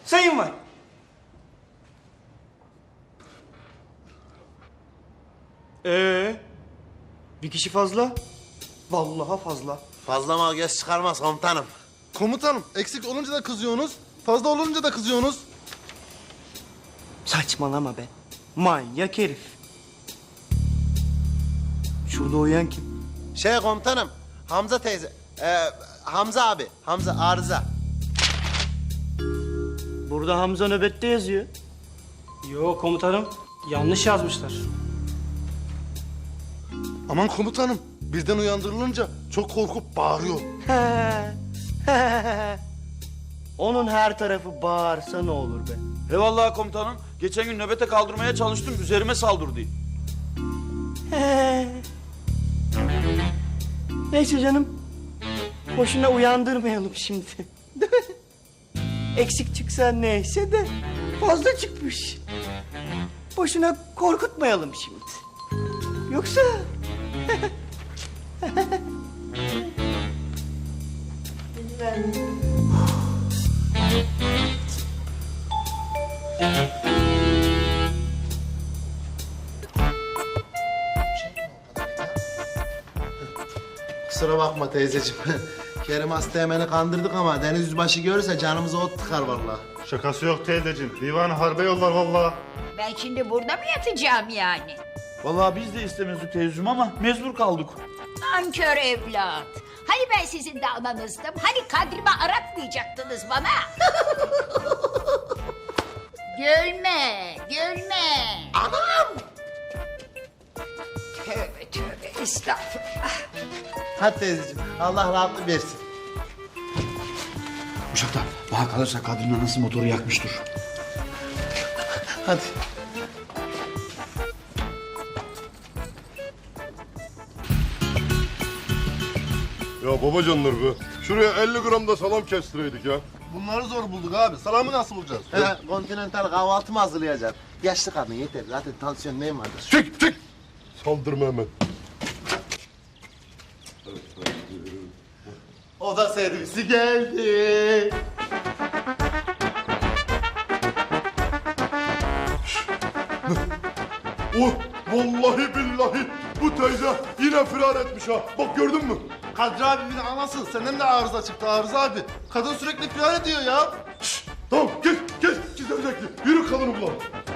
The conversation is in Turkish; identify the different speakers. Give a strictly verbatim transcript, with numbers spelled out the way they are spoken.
Speaker 1: sayın var. Ee, bir kişi fazla. Vallahi fazla.
Speaker 2: Fazla mal göz çıkarmaz komutanım.
Speaker 3: Komutanım, eksik olunca da kızıyorsunuz, fazla olunca da kızıyorsunuz.
Speaker 1: Saçmalama be. Manyak herif. Şurada uyuyan kim?
Speaker 2: Şey komutanım, Hamza teyze, e, Hamza abi, Hamza arıza.
Speaker 1: Burada Hamza nöbette yazıyor.
Speaker 4: Yo komutanım, yanlış yazmışlar.
Speaker 3: Aman komutanım, birden uyandırılınca çok korkup bağırıyor.
Speaker 1: Onun her tarafı bağırsa ne olur be?
Speaker 5: Eyvallah komutanım. Geçen gün nöbete kaldırmaya çalıştım. Üzerime saldırdı.
Speaker 1: Neyse canım. Boşuna uyandırmayalım şimdi. Değil mi? Eksik çıksa neyse de fazla çıkmış. Boşuna korkutmayalım şimdi. Yoksa...
Speaker 2: Kusura bakma teyzeciğim. Kerim Asteğmen'i kandırdık ama Deniz Yüzbaşı görürse canımıza ot tıkar vallahi.
Speaker 6: Şakası yok teyzeciğim. Divan harbe yollar vallahi.
Speaker 7: Ben şimdi burada mı yatacağım yani?
Speaker 5: Vallahi biz de istemezdik teyzeciğim ama mecbur kaldık.
Speaker 7: Nankör evlat. Hani ben sizin de ananızdım? Hani kadrimi aratmayacaktınız bana? Gülme, gülme. Anam! Tövbe tövbe, estağfurullah.
Speaker 2: Hadi teyzeciğim, Allah rahatlık versin.
Speaker 8: Uşaklar, bana kalırsa kadının anası motoru yakmıştır.
Speaker 2: Hadi.
Speaker 6: Ya babacanlar be. Şuraya elli gram da salam kestireydik ya.
Speaker 3: Bunları zor bulduk abi, salamı nasıl bulacağız?
Speaker 2: He, kontinental kahvaltı mı hazırlayacağız? Yaşlı kadın yeter, zaten tansiyon neyim vardır?
Speaker 6: Çık çık. Saldırma hemen.
Speaker 2: Oda servisi geldi.
Speaker 6: Oh vallahi billahi bu teyze yine firar etmiş ha. Bak gördün mü?
Speaker 3: Kadri abimin anası, senden de arıza çıktı Arıza abi. Kadın sürekli firar ediyor ya.
Speaker 6: Tamam geç geç gizemecekli. Yürü kadını bulalım.